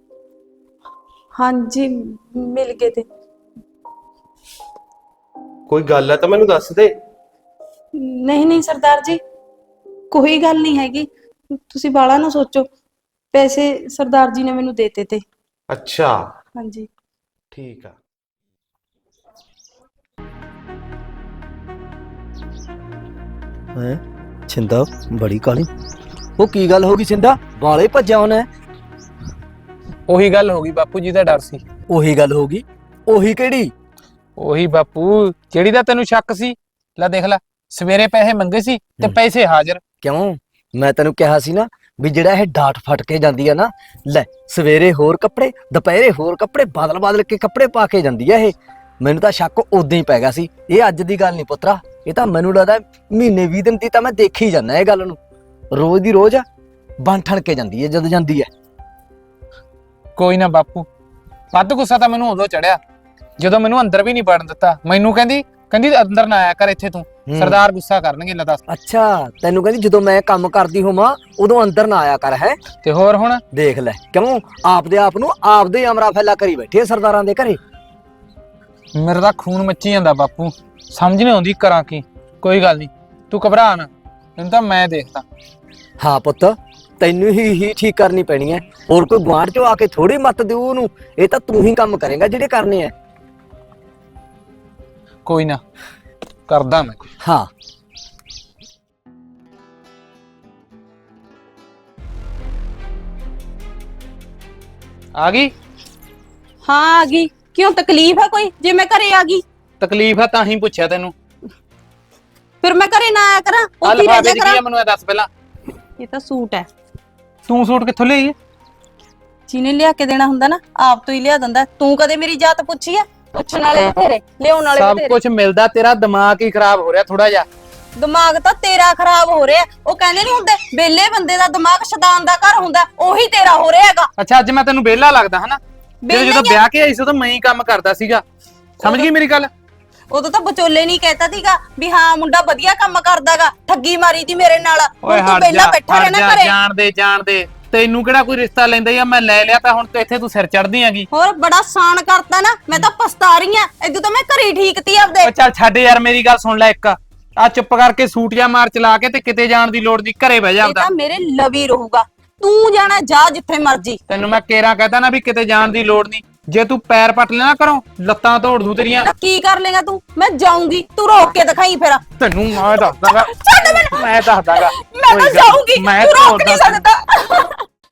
Speaker 4: ਹਾਂਜੀ ਮਿਲ ਗਏ ਤੇ।
Speaker 1: ਕੋਈ ਗੱਲ ਹੈ ਤਾਂ ਮੈਨੂੰ ਦੱਸ ਦੇ।
Speaker 4: ਨਹੀਂ ਨਹੀਂ ਸਰਦਾਰ ਜੀ, ਕੋਈ ਗੱਲ ਨਹੀਂ ਹੈਗੀ। ਤੁਸੀਂ ਬਾਲਾ ਨਾ ਸੋਚੋ, ਪੈਸੇ ਸਰਦਾਰ ਜੀ ਨੇ ਮੈਨੂੰ ਦੇਤੇ ਤੇ।
Speaker 1: ਅੱਛਾ
Speaker 4: ਹਾਂਜੀ
Speaker 1: ਠੀਕ ਆ।
Speaker 3: ਹੈ ਛਿੰਦਾ ਬੜੀ ਕਾਲੀ। ਉਹ ਕੀ ਗੱਲ ਹੋ ਗਈ ਛਿੰਦਾ, ਵਾਲੇ ਭੱਜਿਆ ਉਹਨੇ?
Speaker 2: ਉਹੀ ਗੱਲ ਹੋ ਗਈ ਬਾਪੂ ਜੀ ਦਾ ਡਰ ਸੀ।
Speaker 3: ਉਹੀ ਗੱਲ ਹੋ ਗਈ? ਉਹੀ ਕਿਹੜੀ?
Speaker 2: ਉਹੀ ਬਾਪੂ ਜਿਹੜੀ ਦਾ ਤੈਨੂੰ ਸ਼ੱਕ ਸੀ। ਲੈ ਦੇਖ ਲੈ, ਸਵੇਰੇ ਪੈਸੇ ਮੰਗੇ ਸੀ ਤੇ ਪੈਸੇ ਹਾਜ਼ਰ।
Speaker 3: ਕਿਉਂ? ਮੈਂ ਤੈਨੂੰ ਕਿਹਾ ਸੀ ਨਾ ਵੀ ਜਿਹੜਾ ਇਹ ਡਾਟ ਫਟ ਕੇ ਜਾਂਦੀ ਆ ਨਾ, ਲੈ ਸਵੇਰੇ ਹੋਰ ਕੱਪੜੇ, ਦੁਪਹਿਰੇ ਹੋਰ ਕੱਪੜੇ, ਬਦਲ ਬਦਲ ਕੇ ਕੱਪੜੇ ਪਾ ਕੇ ਜਾਂਦੀ ਆ ਇਹ। ਮੈਨੂੰ ਤਾਂ ਸ਼ੱਕ ਉਦੋਂ ਹੀ ਪੈ ਗਿਆ ਸੀ। ਇਹ ਅੱਜ ਦੀ ਗੱਲ ਨਹੀਂ ਪੁੱਤਰਾ, ਇਹ ਤਾਂ ਮੈਨੂੰ ਲੱਗਦਾ ਮਹੀਨੇ 20 ਦਿਨ ਦੀ ਤਾਂ ਮੈਂ ਦੇਖੀ ਜਾਂਦਾ ਇਹ ਗੱਲ ਨੂੰ। ਰੋਜ਼ ਦੀ ਰੋਜ਼ ਬਣ ਠਣ ਕੇ ਜਾਂਦੀ ਹੈ ਜਦੋਂ ਜਾਂਦੀ ਹੈ।
Speaker 2: ਕੋਈ ਨਾ ਬਾਪੂ, ਵੱਧ ਗੁੱਸਾ ਤਾਂ ਮੈਨੂੰ ਉਦੋਂ ਚੜਿਆ ਜਦੋਂ ਮੈਨੂੰ ਅੰਦਰ ਵੀ ਨਹੀਂ ਵੜਨ ਦਿੱਤਾ। ਮੈਨੂੰ ਕਹਿੰਦੀ ਅੰਦਰ ਨਾ ਆਇਆ ਕਰ ਇੱਥੇ ਤੂੰ, ਸਰਦਾਰ ਗੁੱਸਾ ਕਰਨਗੇ। ਲੈ ਦੱਸ।
Speaker 3: ਅੱਛਾ ਤੈਨੂੰ ਕਹਿੰਦੀ ਜਦੋਂ ਮੈਂ ਕੰਮ ਕਰਦੀ ਹੋਵਾਂ ਉਦੋਂ ਅੰਦਰ ਨਾ ਆਇਆ ਕਰ? ਹੈ
Speaker 2: ਤੇ ਹੋਰ ਹੁਣ
Speaker 3: ਦੇਖ ਲੈ, ਕਿਉਂ ਆਪਦੇ ਆਪ ਨੂੰ ਆਪਦੇ ਅਮਰਾ ਫੈਲਾ ਕਰੀ ਬੈਠੇ ਸਰਦਾਰਾਂ ਦੇ ਘਰੇ।
Speaker 2: ਮੇਰਾ ਤਾਂ ਖੂਨ ਮੱਚੀ ਜਾਂਦਾ ਬਾਪੂ, ਸਮਝ ਨਹੀਂ ਆਉਂਦੀ ਕਰਾਂ ਕੀ। ਕੋਈ ਗੱਲ ਨਹੀਂ, ਤੂੰ ਘਬਰਾ ਨਾ, ਇਹਨੂੰ ਤਾਂ ਮੈਂ ਦੇਖਦਾ।
Speaker 3: ਹਾਂ ਪੁੱਤ, ਤੈਨੂੰ ਹੀ ਠੀਕ ਕਰਨੀ ਪੈਣੀ ਹੈ। ਹੋਰ ਕੋਈ ਗੁਆਂਢ ਚੋਂ ਆ ਕੇ ਥੋੜੀ ਮੱਤ ਦਿਓ ਉਹਨੂੰ, ਇਹ ਤਾਂ ਤੂੰ ਹੀ ਕੰਮ ਕਰੇਗਾ ਜਿਹੜੇ ਕਰਨੇ ਆ।
Speaker 2: ਕੋਈ ਨਾ ਕਰਦਾ ਮੈਂ।
Speaker 3: ਹਾਂ
Speaker 2: ਆ ਗਈ?
Speaker 5: ਹਾਂ ਆ ਗਈ। ਕਿਉਂ ਤਕਲੀਫ ਹੈ ਕੋਈ ਜੇ ਮੈਂ ਘਰੇ ਆ ਗਈ?
Speaker 2: ਤਕਲੀਫ ਆ ਤਾਂ ਹੀ ਪੁੱਛਿਆ ਤੈਨੂੰ।
Speaker 5: ਫਿਰ ਮੈਂ ਘਰੇ ਨਾ ਆਇਆ ਕਰਾਂ, ਉੱਥੇ ਰਹਿ
Speaker 2: ਅਲਫਾਬੇ
Speaker 5: ਜਾ
Speaker 2: ਦੀ ਕੀ
Speaker 5: ਕਰਾਂ।
Speaker 2: ਆ ਮੈਨੂੰ ਇਹ ਦੱਸ ਪਹਿਲਾਂ।
Speaker 5: ਇਹ ਤਾਂ ਸੂਟ ਹੈ,
Speaker 2: ਤੂੰ ਸੂਟ ਕਿੱਥੋਂ ਲਈ ਹੈ?
Speaker 5: ਜਿਹਨੇ ਲਿਆ ਕੇ ਦੇਣਾ ਹੁੰਦਾ ਨਾ ਆਪ ਤੋਂ ਹੀ ਲਿਆ ਦਿੰਦਾ। ਤੂੰ ਕਦੇ ਮੇਰੀ ਜਾਤ ਪੁੱਛੀ ਆ? ਪੁੱਛਣ ਵਾਲੇ ਬਥੇਰੇ, ਲਿਆਉਣ ਵਾਲੇ
Speaker 2: ਸਭ
Speaker 5: ਬਥੇਰੇ।
Speaker 2: ਕੁਝ ਮਿਲਦਾ, ਤੇਰਾ ਦਿਮਾਗ ਹੀ ਖਰਾਬ ਹੋ ਰਿਹਾ ਥੋੜਾ ਜਿਹਾ।
Speaker 5: ਦਿਮਾਗ ਤਾਂ ਤੇਰਾ ਖਰਾਬ ਹੋ ਰਿਹਾ। ਉਹ ਕਹਿੰਦੇ ਨਹੀਂ ਹੁੰਦੇ ਵਿਹਲੇ ਬੰਦੇ ਦਾ ਦਿਮਾਗ ਸ਼ੈਤਾਨ ਦਾ ਘਰ ਹੁੰਦਾ, ਉਹੀ ਤੇਰਾ ਹੋ ਰਿਹਾ ਹੈਗਾ।
Speaker 2: ਅੱਛਾ ਅੱਜ ਮੈਂ ਤੈਨੂੰ ਵਿਹਲਾ ਲੱਗਦਾ ਹਨਾ?
Speaker 5: ਵਿਹਲਾ
Speaker 2: ਜਦੋਂ
Speaker 5: ਹੀ ਆ।
Speaker 2: ਵਿਆਹ ਕੇ ਆਈ ਸੀ ਉਦੋਂ ਮੈਂ ਹੀ ਕੰਮ ਕਰਦਾ ਸੀਗਾ, ਸਮਝ ਗਈ ਮੇਰੀ ਗੱਲ?
Speaker 5: ਉਦੋਂ ਤਾਂ ਵਿਚੋਲੇ ਨਹੀਂ ਕਹਿਤਾ ਸੀਗਾ ਵੀ ਹਾਂ ਮੁੰਡਾ ਵਧੀਆ ਕੰਮ ਕਰਦਾਗਾ, ਠੱਗੀ ਮਾਰੀ ਤੀ ਮੇਰੇ ਨਾਲ। ਹੁਣ ਤੂੰ ਵਿਹਲਾ ਬੈਠਾ ਰਹਿਣਾ ਘਰੇ।
Speaker 2: ਜਾਣ ਦੇ
Speaker 6: ਤੈਨੂੰ ਕਿਹੜਾ ਕੋਈ ਰਿਸ਼ਤਾ ਲੈਂਦਾ ਜਾਂ ਮੈਂ ਲੈ ਲਿਆ ਤਾਂ ਹੁਣ ਤੇ ਇੱਥੇ ਤੂੰ ਸਿਰ ਚੜਦੀ ਆਂਗੀ।
Speaker 5: ਹੋਰ ਬੜਾ ਸਾਨ ਕਰਤਾ ਨਾ, ਮੈਂ ਤਾਂ ਪਛਤਾ ਰਹੀ ਆ। ਇਦੋਂ ਤਾਂ ਮੈਂ ਘਰੇ ਠੀਕਤੀ ਆਪਦੇ।
Speaker 6: ਉਹ ਚੱਲ ਛੱਡ ਯਾਰ, ਮੇਰੀ ਗੱਲ ਸੁਣ ਲੈ ਇੱਕ। ਆ ਚੁੱਪ ਕਰਕੇ ਸੂਟ ਜਾਂ ਮਾਰ ਚਲਾ ਕੇ ਤੇ ਕਿਤੇ ਜਾਣ ਦੀ ਲੋੜ ਨਹੀਂ, ਘਰੇ ਬਹਿ ਜਾ
Speaker 5: ਇਹ
Speaker 6: ਆਪਦਾ।
Speaker 5: ਤਾਂ ਮੇਰੇ ਲਵੀ ਰਹੂਗਾ, ਤੂੰ ਜਾਣਾ ਜਾ ਜਿੱਥੇ ਮਰਜੀ।
Speaker 6: ਤੈਨੂੰ ਮੈਂ ਕੇਰਾਂ ਕਹਤਾ ਨਾ ਵੀ ਕਿਤੇ ਜਾਣ ਦੀ ਲੋੜ ਨਹੀਂ। ਜੇ ਤੂੰ ਪੈਰ ਪੱਟ ਲੈਣਾ ਕਰੋ, ਲੱਤਾਂ ਤੋੜ ਦੂੰ ਤੇਰੀਆਂ।
Speaker 5: ਕੀ ਕਰ ਲੇਗਾ ਤੂੰ? ਮੈਂ ਜਾਊਂਗੀ, ਤੂੰ ਰੋਕ ਕੇ ਦਿਖਾਈ ਫਿਰ।
Speaker 6: ਤੈਨੂੰ ਮੈਂ ਦੱਸਦਾਗਾ,
Speaker 5: ਛੱਡ ਮੈਨੂੰ।
Speaker 6: ਮੈਂ ਦੱਸਦਾਗਾ।
Speaker 5: ਮੈਂ ਤਾਂ ਜਾਊਂਗੀ,
Speaker 6: ਮੈਂ
Speaker 5: ਤੂੰ ਰੋਕ
Speaker 6: ਤੋੜਦਾ
Speaker 5: ਨਹੀਂ ਸਕਦਾ।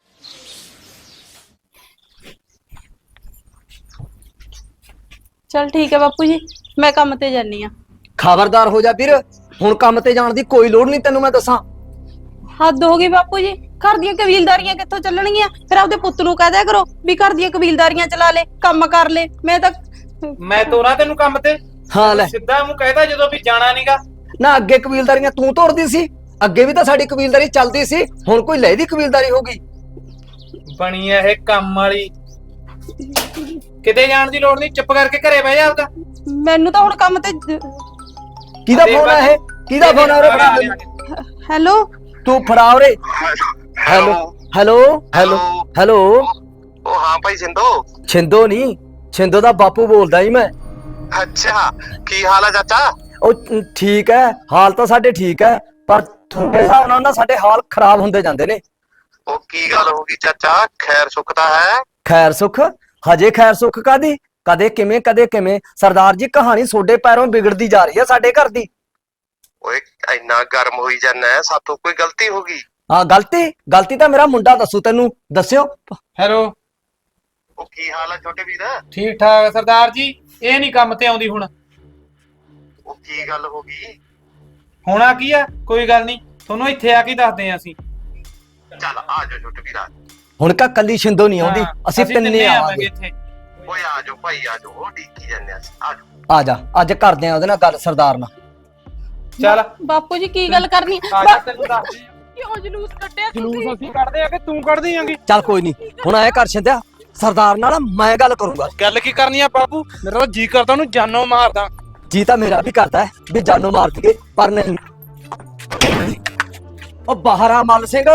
Speaker 4: ਚਲ ਠੀਕ ਹੈ ਬਾਪੂ ਜੀ, ਮੈਂ ਕੰਮ ਤੇ ਜਾਨੀ ਆ।
Speaker 3: ਖਬਰਦਾਰ ਹੋ ਜਾ ਵੀਰ, ਹੁਣ ਕੰਮ ਤੇ ਜਾਣ ਦੀ ਕੋਈ ਲੋੜ ਨਹੀਂ ਤੈਨੂੰ ਮੈਂ ਦੱਸਾਂ।
Speaker 4: ਹੱਦ ਹੋ ਗਈ ਬਾਪੂ ਜੀ, ਘਰ ਦੀਆਂ ਕਬੀਲਦਾਰੀਆਂ ਕਿੱਥੋਂ ਚੱਲਣਗੀਆਂ? ਫਿਰ ਆਪਦੇ ਪੁੱਤ ਨੂੰ ਕਹਿ ਦਿਆ ਕਰੋ ਵੀ ਘਰ ਦੀਆਂ ਕਬੀਲਦਾਰੀਆਂ ਚਲਾ ਲੈ, ਕੰਮ ਕਰ ਲੈ। ਮੈਂ ਤਾਂ
Speaker 6: ਮੈਂ ਤੋਰਾ ਤੈਨੂੰ ਕੰਮ ਤੇ।
Speaker 3: ਹਾਂ ਲੈ,
Speaker 6: ਸਿੱਧਾ ਮੂੰਹ ਕਹਿਦਾ ਜਦੋਂ ਵੀ ਜਾਣਾ ਨਹੀਂਗਾ।
Speaker 3: ਨਾ ਅੱਗੇ ਕਬੀਲਦਾਰੀਆਂ ਤੂੰ ਤੋੜਦੀ ਸੀ, ਅੱਗੇ ਵੀ ਤਾਂ ਸਾਡੀ ਕਬੀਲਦਾਰੀ ਚੱਲਦੀ ਸੀ, ਹੁਣ ਕੋਈ ਲੈਦੀ ਕਬੀਲਦਾਰੀ ਹੋ ਗਈ।
Speaker 6: ਬਣੀ ਐ ਇਹ ਕੰਮ ਵਾਲੀ। ਕਿਤੇ ਜਾਣ ਦੀ ਲੋੜ ਨਹੀਂ, ਚੁੱਪ ਕਰਕੇ ਘਰੇ ਬਹਿ ਜਾ ਆਪਦਾ।
Speaker 4: ਮੈਨੂੰ ਤਾਂ ਹੁਣ ਕੰਮ ਤੇ
Speaker 3: ਕਿਹਦਾ ਫੋਨ ਆ ਇਹ? ਕਿਹਦਾ ਫੋਨ ਆ ਉਰੇ ਫੜਾ ਮੈਨੂੰ।
Speaker 4: ਹੈਲੋ
Speaker 3: ਤੂੰ ਫੜਾ ਉਰੇ। Hello hello hello hello.
Speaker 1: ਉਹ ਹਾਂ ਭਾਈ ਸਿੰਧੂ।
Speaker 3: ਛਿੰਦੋ ਨਹੀਂ, ਛਿੰਦੋ ਦਾ ਬਾਪੂ ਬੋਲਦਾ ਜੀ ਮੈਂ।
Speaker 1: ਅੱਛਾ, ਕੀ ਹਾਲ ਆ ਚਾਚਾ?
Speaker 3: ਉਹ ਠੀਕ ਹੈ, ਹਾਲ ਤਾਂ ਸਾਡੇ ਠੀਕ ਹੈ, ਪਰ ਤੁਹਾਡੇ ਹਿਸਾਬ ਨਾਲ ਨਾ ਸਾਡੇ ਹਾਲ ਖਰਾਬ ਹੁੰਦੇ ਜਾਂਦੇ ਨੇ।
Speaker 1: ਉਹ ਕੀ ਗੱਲ ਹੋ ਗਈ ਚਾਚਾ? ਖੈਰ ਸੁੱਖ ਤਾਂ ਹੈ?
Speaker 3: ਖੈਰ ਸੁੱਖ? ਹਜੇ ਖੈਰ ਸੁੱਖ ਕਾਦੀ? ਕਦੇ ਕਿਵੇਂ ਕਦੇ ਕਿਵੇਂ। ਸਰਦਾਰ ਜੀ ਕਹਾਣੀ ਤੁਹਾਡੇ ਪੈਰੋਂ ਵਿਗੜਦੀ ਜਾ ਰਹੀ ਹੈ ਸਾਡੇ ਘਰ ਦੀ।
Speaker 1: ਓਏ ਇੰਨਾ ਗਰਮ ਹੋਈ ਜਾਂਦਾ, ਸਾਥੋਂ ਕੋਈ ਗਲਤੀ ਹੋ ਗਈ?
Speaker 3: ਹਾਂ ਗਲਤੀ ਤਾਂ ਮੇਰਾ ਮੁੰਡਾ ਦੱਸੂ ਤੈਨੂੰ। ਦੱਸਿਓ।
Speaker 6: ਹੈਲੋ,
Speaker 1: ਉਹ ਕੀ ਹਾਲ ਆ ਛੋਟੇ ਵੀਰ?
Speaker 6: ਠੀਕ ਠਾਕ ਸਰਦਾਰ ਜੀ। ਇਹ ਨਹੀਂ ਕੰਮ ਤੇ ਆਉਂਦੀ ਹੁਣ।
Speaker 1: ਉਹ ਕੀ ਗੱਲ ਹੋ ਗਈ?
Speaker 6: ਹੋਣਾ ਕੀ ਆ, ਕੋਈ ਗੱਲ ਨਹੀਂ, ਤੁਹਾਨੂੰ ਇੱਥੇ ਆ ਕੇ ਦੱਸਦੇ ਆ ਅਸੀਂ।
Speaker 1: ਚੱਲ ਆ ਜਾ ਛੋਟੇ ਵੀਰਾ।
Speaker 3: ਹੁਣ ਕਾ ਕੱਲੀ ਛਿੰਦੋ ਨਹੀਂ ਆਉਂਦੀ,
Speaker 6: ਹਾਂ,
Speaker 3: ਅਸੀਂ ਤਿੰਨੇ ਆਵਾਂਗੇ।
Speaker 6: ਇੱਥੇ।
Speaker 1: ਓਏ ਆ ਜਾਓ ਭਾਈ, ਆ ਜਾਓ, ਡੀਕੀ ਜਾਂਦੇ ਆ। ਆ ਜਾਓ।
Speaker 3: ਆ ਜਾ, ਅੱਜ ਕਰਦੇ ਆ ਉਹਦੇ ਨਾਲ ਗੱਲ, ਸਰਦਾਰ ਨਾਲ।
Speaker 6: ਚੱਲ
Speaker 4: ਬਾਪੂ ਜੀ ਕੀ ਗੱਲ ਕਰਨੀ?
Speaker 6: ਆ ਜਾ, ਤੈਨੂੰ ਦੱਸਦੇ ਆ।
Speaker 4: ਕਿਉਂ ਜਲੂਸ ਕੱਢਿਆ
Speaker 6: ਜਲੂਸ
Speaker 4: ਤੁਸੀਂ?
Speaker 6: ਅਸੀਂ ਕੱਢਦੇ ਆ ਕਿ ਤੂੰ ਕੱਢਦੀ ਆਂਗੀ?
Speaker 3: ਚੱਲ ਕੋਈ ਨਹੀਂ, ਹੁਣ ਐ ਕਰ ਛਿੰਦਿਆ, ਸਰਦਾਰ ਨਾਲ ਮੈਂ ਗੱਲ ਕਰੂੰਗਾ।
Speaker 6: ਗੱਲ ਕੀ ਕਰਨੀ ਆ ਬਾਬੂ? ਮੇਰਾ ਤਾਂ ਜੀ ਕਰਦਾ ਉਹਨੂੰ ਜਾਨੋਂ ਮਾਰਦਾ।
Speaker 3: ਜੀ ਤਾਂ ਮੇਰਾ ਵੀ ਕਰਦਾ ਹੈ ਵੀ ਜਾਨੋਂ ਮਾਰ ਦਈਏ, ਪਰ ਨਹੀਂ। ਉਹ ਬਾਹਰ ਆ ਮੱਲ ਸਿੰਘ।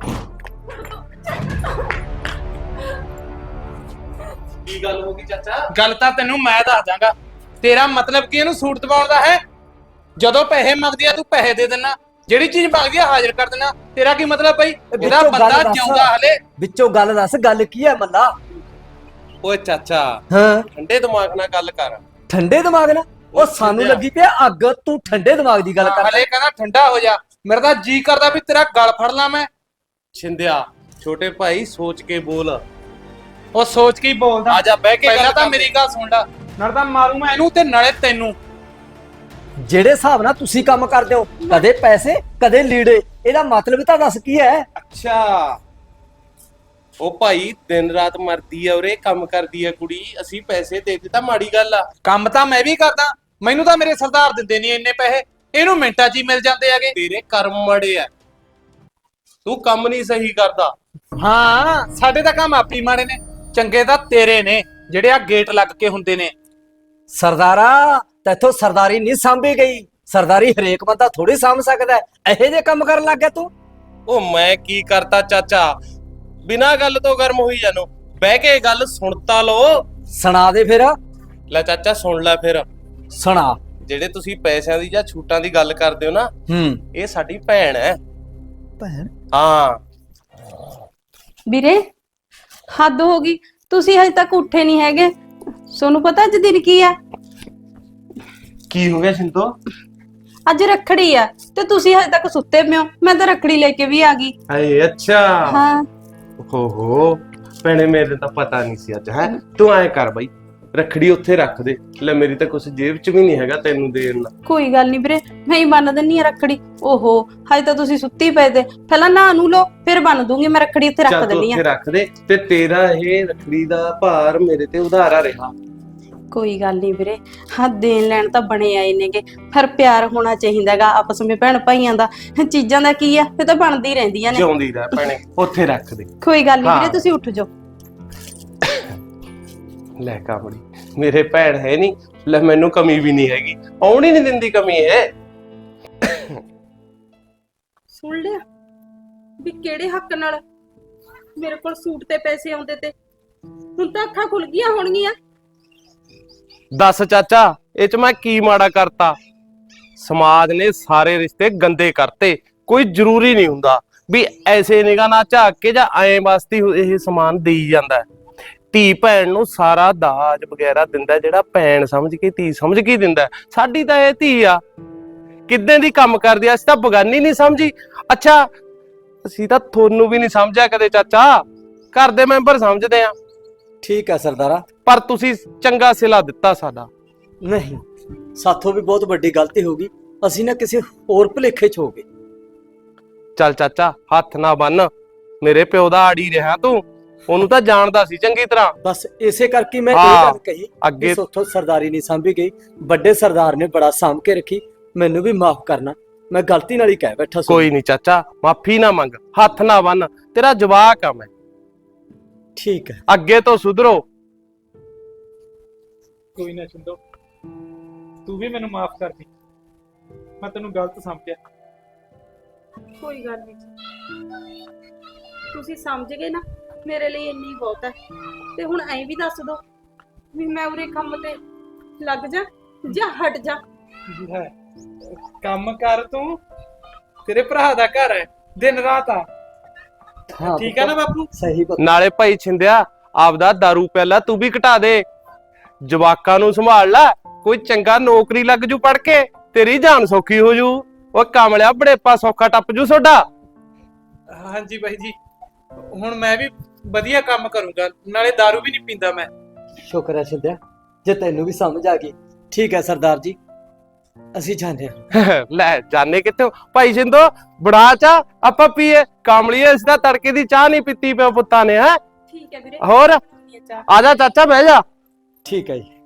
Speaker 1: ਕੀ ਗੱਲ ਹੋ ਗਈ ਚਾਚਾ?
Speaker 6: ਗੱਲ ਤਾਂ ਤੈਨੂੰ ਮੈਂ ਦੱਸ ਦਾਂਗਾ। ਤੇਰਾ ਮਤਲਬ ਕੀ ਇਹਨੂੰ ਸੂਟ ਦਵਾਉਣ ਦਾ ਹੈ? ਜਦੋਂ ਪੈਸੇ ਮੰਗਦੀ ਆ ਤੂੰ ਪੈਸੇ ਦੇ ਦੇਣਾ, ਜਿਹੜੀ ਚੀਜ਼ ਮੰਗਦੀ ਆ ਹਾਜ਼ਰ ਕਰ ਦੇਣਾ। ਤੇਰਾ ਕੀ ਮਤਲਬ ਬਈ? ਇਹਦਾ
Speaker 3: ਵਿੱਚੋਂ ਗੱਲ
Speaker 6: ਬੰਦਾ
Speaker 3: ਦੱਸ।
Speaker 6: ਜਿਉਂਦਾ ਹਲੇ।
Speaker 3: ਵਿੱਚੋਂ ਗੱਲ ਦੱਸ, ਗੱਲ ਕੀ ਹੈ ਮੱਲਾ?
Speaker 1: ਓਏ ਚਾਚਾ,
Speaker 3: ਹਾਂ,
Speaker 1: ਠੰਡੇ ਦਿਮਾਗ ਨਾਲ ਗੱਲ ਕਰ।
Speaker 3: ਠੰਡੇ ਦਿਮਾਗ ਨਾਲ? ਉਹ ਸਾਨੂੰ ਲੱਗੀ ਪਿਆ ਅੱਗ, ਤੂੰ ਠੰਡੇ ਦਿਮਾਗ ਦੀ ਗੱਲ ਕਰ।
Speaker 6: ਹਲੇ ਕਹਿੰਦਾ ਠੰਡਾ ਹੋ ਜਾ। ਮੇਰਾ ਤਾਂ ਜੀ ਕਰਦਾ ਵੀ ਤੇਰਾ ਗਲ ਫੜ ਲਾਂ ਮੈਂ।
Speaker 1: ਛਿੰਦਿਆ ਛੋਟੇ ਭਾਈ, ਸੋਚ ਕੇ ਬੋਲ।
Speaker 6: ਉਹ ਸੋਚ ਕੇ ਹੀ ਬੋਲਦਾ।
Speaker 1: ਆ ਜਾ ਬਹਿ ਕੇ
Speaker 6: ਪਹਿਲਾਂ
Speaker 1: ਗੱਲ
Speaker 6: ਤਾਂ
Speaker 1: ਕਰ।
Speaker 6: ਮੇਰੀ ਗੱਲ ਸੁਣ ਲੈ, ਨਾਲੇ ਤਾਂ ਮਾਰੂ ਮੈਂ ਇਹਨੂੰ ਤੇ ਨਾਲੇ ਤੈਨੂੰ।
Speaker 3: ਜਿਹੜੇ ਹਿਸਾਬ ਨਾਲ ਤੁਸੀਂ ਕੰਮ ਕਰਦੇ ਹੋ, ਕਦੇ ਪੈਸੇ ਕਦੇ ਲੀੜੇ, ਇਹਦਾ ਮਤਲਬ ਤਾਂ ਦੱਸ ਕੀ ਹੈ?
Speaker 1: ਅੱਛਾ, ਉਹ ਭਾਈ ਦਿਨ ਰਾਤ ਮਰਦੀ ਆ ਉਰੇ, ਕੰਮ ਕਰਦੀ ਆ ਕੁੜੀ, ਅਸੀਂ ਪੈਸੇ ਦੇ ਦਿੱਤਾ, ਮਾੜੀ ਗੱਲ ਆ?
Speaker 6: ਕੰਮ ਤਾਂ ਮੈਂ ਵੀ ਕਰਦਾ, ਮੈਨੂੰ ਤਾਂ ਮੇਰੇ ਸਰਦਾਰ ਦਿੰਦੇ ਨਹੀਂ ਇੰਨੇ ਪੈਸੇ, ਇਹਨੂੰ ਮਿੰਟਾਂ 'ਚ ਹੀ ਮਿਲ ਜਾਂਦੇ ਹੈਗੇ।
Speaker 1: ਤੇਰੇ ਕਰਮ ਮੜੇ ਆ, ਤੂੰ ਕੰਮ ਨਹੀਂ ਸਹੀ ਕਰਦਾ।
Speaker 6: ਹਾਂ, ਸਾਡੇ ਤਾਂ ਕੰਮ ਆਪੀ ਮਾੜੇ ਨੇ, ਚੰਗੇ ਤਾਂ ਤੇਰੇ ਨੇ ਜਿਹੜੇ ਆ ਗੇਟ ਲੱਗ ਕੇ ਹੁੰਦੇ ਨੇ।
Speaker 3: ਸਰਦਾਰਾ, ਤੈਥੋਂ ਸਰਦਾਰੀ ਨਹੀਂ ਸਾਂਭੀ ਗਈ। ਸਰਦਾਰੀ ਹਰੇਕ ਬੰਦਾ ਥੋੜੀ ਸਾਂਭ ਸਕਦਾ ਹੈ। ਇਹੋ ਜਿਹੇ ਕੰਮ ਕਰਨ ਲੱਗ ਗਿਆ ਤੂੰ।
Speaker 1: ਉਹ ਮੈਂ ਕੀ ਕਰਤਾ ਚਾਚਾ? ਬਿਨਾਂ ਗੱਲ ਤੋਂ ਗਰਮ ਹੋਈ ਜਾਨੋ, ਬਹਿ ਕੇ ਗੱਲ ਸੁਣਤਾ ਲੋ।
Speaker 3: ਸੁਣਾ ਦੇ ਫਿਰ।
Speaker 1: ਲੈ ਚਾਚਾ ਸੁਣ ਲੈ ਫਿਰ।
Speaker 3: ਸੁਣਾ।
Speaker 1: ਜਿਹੜੇ ਤੁਸੀਂ ਪੈਸਿਆਂ ਦੀ ਜਾਂ ਛੂਟਾਂ ਦੀ ਗੱਲ ਕਰਦੇ ਹੋ ਨਾ, ਇਹ ਸਾਡੀ ਭੈਣ ਹੈ।
Speaker 3: ਭੈਣ?
Speaker 1: ਹਾਂ
Speaker 4: ਵੀਰੇ ਹੱਦ ਹੋ ਗਈ, ਤੁਸੀਂ ਹਜੇ ਤੱਕ ਉੱਠੇ ਨਹੀਂ ਹੈਗੇ। ਤੁਹਾਨੂੰ ਪਤਾ ਅੱਜ ਦਿਨ ਕੀ ਆ?
Speaker 1: ਕੀ ਹੋ ਗਿਆ ਸਿੰਤੋ?
Speaker 4: ਅੱਜ ਰੱਖੜੀ ਆ ਤੇ ਤੁਸੀਂ ਹਜੇ ਤੱਕ ਸੁੱਤੇ ਪਏ ਹੋ। ਮੈਂ ਤਾਂ ਰੱਖੜੀ ਲੈ ਕੇ ਵੀ ਆ ਗਈ।
Speaker 1: ਹਾਏ ਅੱਛਾ।
Speaker 4: ਹਾਂ
Speaker 1: ਹੋ ਭੈਣੇ, ਮੇਰੇ ਤਾਂ ਪਤਾ ਨਹੀਂ ਸੀ ਅੱਜ। ਹੈ ਤੂੰ ਐ ਕਰ ਬਾਈ, ਰੱਖੜੀ ਉੱਥੇ ਰੱਖ ਦੇ। ਲੈ ਮੇਰੀ ਤਾਂ ਕੁਛ ਜੇਬ 'ਚ ਵੀ ਨਹੀਂ ਹੈਗਾ ਤੈਨੂੰ ਦੇਣ ਦਾ।
Speaker 4: ਕੋਈ ਗੱਲ ਨਹੀਂ ਵੀਰੇ, ਮੈਂ ਹੀ ਬੰਨ ਦਿੰਨੀ ਆ ਰੱਖੜੀ। ਓਹੋ ਹਜੇ ਤਾਂ ਤੁਸੀਂ ਸੁੱਤੀ ਪਏ ਤੇ, ਪਹਿਲਾਂ ਨਹਾ ਨੂੰ ਲਓ ਫਿਰ ਬੰਨ ਦੂੰਗੀ ਮੈਂ ਰੱਖੜੀ। ਉੱਥੇ ਰੱਖ
Speaker 1: ਚੱਲ ਤੂੰ
Speaker 4: ਦਿੰਨੀ
Speaker 1: ਉੱਥੇ
Speaker 4: ਆ।
Speaker 1: ਰੱਖ ਦੇ, ਤੇ ਤੇਰਾ ਇਹ ਰੱਖੜੀ ਦਾ ਭਾਰ ਮੇਰੇ ਤੇ ਉਧਾਰਾ ਰਿਹਾ।
Speaker 4: ਕੋਈ ਗੱਲ ਨਹੀਂ ਵੀਰੇ, ਹਾਂ ਦੇਣ ਲੈਣ ਤਾਂ ਬਣੇ ਆਏ ਨੇਗੇ, ਫਿਰ ਪਿਆਰ ਹੋਣਾ ਚਾਹੀਦਾਗਾ ਆਪਸ ਵਿੱਚ ਭੈਣ ਭਾਈਆਂ ਦਾ। ਚੀਜ਼ਾਂ ਦਾ ਕੀ ਆ, ਇਹ ਤਾਂ ਬਣਦੀ ਰਹਿੰਦੀਆਂ ਨੇ।
Speaker 1: ਜਿਉਂਦੀ ਰਹਿ ਭੈਣੇ, ਉੱਥੇ ਰੱਖ ਦੇ।
Speaker 4: ਕੋਈ ਗੱਲ ਨਹੀਂ ਵੀਰੇ,
Speaker 1: ਹਾਂ।
Speaker 4: ਤੁਸੀਂ ਉੱਠ ਜਾਓ।
Speaker 1: ਲੈ ਕਾਮੜੀ, ਮੇਰੇ ਭੈਣ ਹੈ ਨਹੀਂ, ਲੈ ਮੈਨੂੰ ਕਮੀ ਵੀ ਨਹੀਂ ਹੈਗੀ, ਆਉਣ ਹੀ ਨਹੀਂ ਦਿੰਦੀ ਕਮੀ ਹੈ।
Speaker 4: ਸੁਣ ਲਿਆ ਵੀ ਕਿਹੜੇ ਹੱਕ ਨਾਲ
Speaker 5: ਮੇਰੇ ਕੋਲ ਸੂਟ ਤੇ ਪੈਸੇ ਆਉਂਦੇ ਤੇ ਹੁਣ ਤਾਂ ਅੱਖਾਂ ਖੁੱਲ ਗਈਆਂ ਹੋਣਗੀਆਂ।
Speaker 1: ਦੱਸ ਚਾਚਾ, ਇਹ ਚ ਮੈਂ ਕੀ ਮਾੜਾ ਕਰਤਾ? ਸਮਾਜ ਨੇ ਸਾਰੇ ਰਿਸ਼ਤੇ ਗੰਦੇ ਕਰਤੇ। ਕੋਈ ਜ਼ਰੂਰੀ ਨਹੀਂ ਹੁੰਦਾ ਵੀ ਐਸੇ ਨਿਗਾਹ ਨਾਲ ਝਾਕ ਕੇ ਜਾਂ ਐਂ ਵਾਸਤੇ ਇਹ ਸਮਾਨ ਦੇਈ ਜਾਂਦਾ। ਧੀ ਭੈਣ ਨੂੰ ਸਾਰਾ ਦਾਜ ਵਗੈਰਾ ਦਿੰਦਾ ਜਿਹੜਾ ਭੈਣ ਸਮਝ ਕੇ ਧੀ ਸਮਝ ਕੇ ਦਿੰਦਾ। ਸਾਡੀ ਤਾਂ ਇਹ ਧੀ ਆ, ਕਿੱਦਾਂ ਦੀ ਕੰਮ ਕਰਦੀ ਆ, ਅਸੀਂ ਤਾਂ ਬਗਾਨੀ ਨਹੀਂ ਸਮਝੀ। ਅੱਛਾ, ਅਸੀਂ ਤਾਂ ਤੁਹਾਨੂੰ ਵੀ ਨਹੀਂ ਸਮਝਿਆ ਕਦੇ ਚਾਚਾ, ਘਰ ਦੇ ਮੈਂਬਰ ਸਮਝਦੇ ਆ।
Speaker 3: ਠੀਕ ਹੈ ਸਰਦਾਰਾ।
Speaker 1: ਪਰ ਤੁਸੀਂ ਚੰਗਾ ਸਿਲਾ ਦਿੱਤਾ ਸਾਡਾ।
Speaker 3: ਨਹੀਂ, ਸਾਥੋਂ ਵੀ ਬਹੁਤ ਵੱਡੀ ਗਲਤੀ ਹੋ ਗਈ। ਅਸੀਂ ਨਾ ਕਿਸੇ ਹੋਰ ਭੁਲੇਖੇ 'ਚ ਹੋ ਗਏ।
Speaker 1: ਚੱਲ ਚਾਚਾ, ਹੱਥ ਨਾ ਬੰਨ, ਮੇਰੇ ਪਿਓ ਦਾ ਆੜੀ ਰਿਹਾ ਤੂੰ, ਉਹਨੂੰ ਤਾਂ ਜਾਣਦਾ ਸੀ ਚੰਗੀ ਤਰ੍ਹਾਂ।
Speaker 3: ਬਸ ਇਸੇ ਕਰਕੇ ਮੈਂ ਇਹ
Speaker 1: ਹਾਂ,
Speaker 3: ਗੱਲ ਕਹੀ
Speaker 1: ਅੱਗੇ
Speaker 3: ਕਿ ਸੋਥੋਂ ਸਰਦਾਰੀ ਨਹੀਂ ਸਾਂਭੀ ਗਈ। ਵੱਡੇ ਸਰਦਾਰ ਨੇ ਬੜਾ ਸਾਂਭ ਕੇ ਰੱਖੀ। ਮੈਨੂੰ ਵੀ ਮਾਫ ਕਰਨਾ, ਮੈਂ ਗਲਤੀ ਨਾਲ ਹੀ ਕਹਿ ਬੈਠਾ ਸੀ।
Speaker 1: ਕੋਈ ਨਹੀਂ ਚਾਚਾ, ਮਾਫੀ ਨਾ ਮੰਗ, ਹੱਥ ਨਾ ਬੰਨ, ਤੇਰਾ ਜਵਾਕ ਆ ਮੈਂ।
Speaker 3: ਠੀਕ ਹੈ।
Speaker 1: ਅੱਗੇ ਤੋਂ ਸੁਧਰੋ।
Speaker 6: ਕੋਈ ਨਾ ਛਿੰਦੋ, ਤੂੰ ਵੀ ਮੈਨੂੰ ਮਾਫ ਕਰ ਦੀ, ਮੈਂ ਤੈਨੂੰ ਗਲਤ ਸਮਝਿਆ।
Speaker 5: ਕੋਈ ਗੱਲ ਨਹੀਂ, ਤੁਸੀਂ ਸਮਝ ਗਏ ਨਾ, ਮੇਰੇ ਲਈ ਇੰਨੀ ਬਹੁਤ ਹੈ। ਤੇ ਹੁਣ ਐਂ ਵੀ ਦੱਸ ਦੋ ਵੀ ਮੈਂ ਉਰੇ ਕੰਮ ਤੇ ਲੱਗ ਜਾ ਜਾਂ ਹਟ ਜਾ।
Speaker 6: ਲੈ, ਕੰਮ ਕਰ ਤੂੰ, ਤੇਰੇ ਭਰਾ ਦਾ ਘਰ ਹੈ, ਦਿਨ ਰਾਤ ਆ।
Speaker 3: ਹਾਂ
Speaker 6: ਠੀਕ ਹੈ ਨਾ ਬਾਪੂ?
Speaker 3: ਸਹੀ ਬਾਤ।
Speaker 1: ਨਾਲੇ ਭਾਈ ਛਿੰਦਿਆ, ਆਪਦਾ ਦਾਰੂ ਪਿਆਲਾ ਤੂੰ ਵੀ ਘਟਾ ਦੇ, ਜਵਾਕਾਂ ਨੂੰ ਸੰਭਾਲ ਲੈ, ਕੋਈ ਚੰਗਾ ਨੌਕਰੀ ਲੱਗ ਜੂ ਪੜ ਕੇ, ਤੇਰੀ ਜਾਨ ਸੌਖੀ ਹੋ ਜੂ। ਉਹ ਕਾਮਲਿਆ ਬੜੇਪਾ ਸੌਖਾ ਟੱਪ ਜੂ ਤੁਹਾਡਾ।
Speaker 6: ਹਾਂਜੀ ਬਾਈ ਜੀ, ਹੁਣ ਮੈਂ ਵੀ ਵਧੀਆ ਕੰਮ ਕਰੂੰਗਾ, ਨਾਲੇ दारू ਵੀ ਨਹੀਂ ਪੀਂਦਾ ਮੈਂ।
Speaker 3: ਸ਼ੁਕਰ ਹੈ ਸਿੰਧਿਆ, ਜੇ ਤੈਨੂੰ ਵੀ ਸਮਝ ਆ ਗਈ। ਠੀਕ ਹੈ ਸਰਦਾਰ ਜੀ, ਅਸੀਂ ਜਾਂਦੇ ਹਾਂ।
Speaker 1: ਲੈ ਜਾਣੇ ਕਿੱਥੇ ਭਾਈ ਸਿੰਧੋ, ਬੜਾ ਚਾ ਆਪਾਂ ਪੀਏ। ਕਾਮਲੀਏ, ਇਸ ਦਾ ਤੜਕੇ ਦੀ ਚਾਹ ਨਹੀਂ ਪੀਤੀ ਪਿਓ ਪੁੱਤਾਂ ਨੇ। ਹੈ
Speaker 5: ਠੀਕ ਹੈ ਵੀਰੇ,
Speaker 1: ਹੋਰ
Speaker 5: ਚਾਹ।
Speaker 1: ਆ ਜਾ ਚਾਚਾ, ਬਹਿ ਜਾ।
Speaker 3: ਠੀਕ ਹੈ ਜੀ।